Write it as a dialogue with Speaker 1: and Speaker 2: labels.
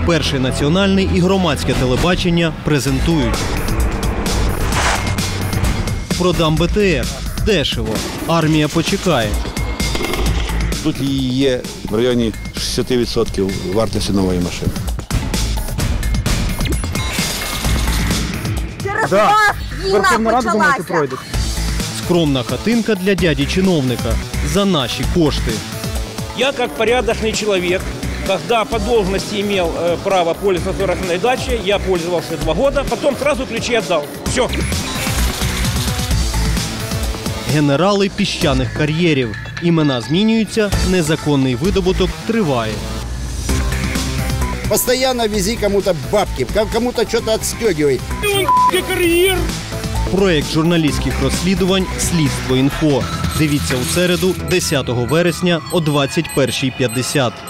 Speaker 1: Перший національний і громадське телебачення презентують. Продам БТР. Дешево. Армія почекає.
Speaker 2: Тут є в районі 60% вартості нової машини.
Speaker 3: Через вас війна почалася.
Speaker 1: Скромна хатинка для дяді-чиновника. За наші кошти.
Speaker 4: Я, как порядочный человек, когда по должности имел право пользоваться собственной дачей, я пользовался 2 года, потом сразу ключи отдал. Все.
Speaker 1: Генерали піщаних кар'єрів. Імена змінюються, незаконний видобуток триває.
Speaker 5: Постоянно вези кому-то бабки, кому-то что-то отстегивай.
Speaker 1: Проєкт журналістських розслідувань «Слідство.Інфо». Дивіться у середу, 10 вересня о 21:50.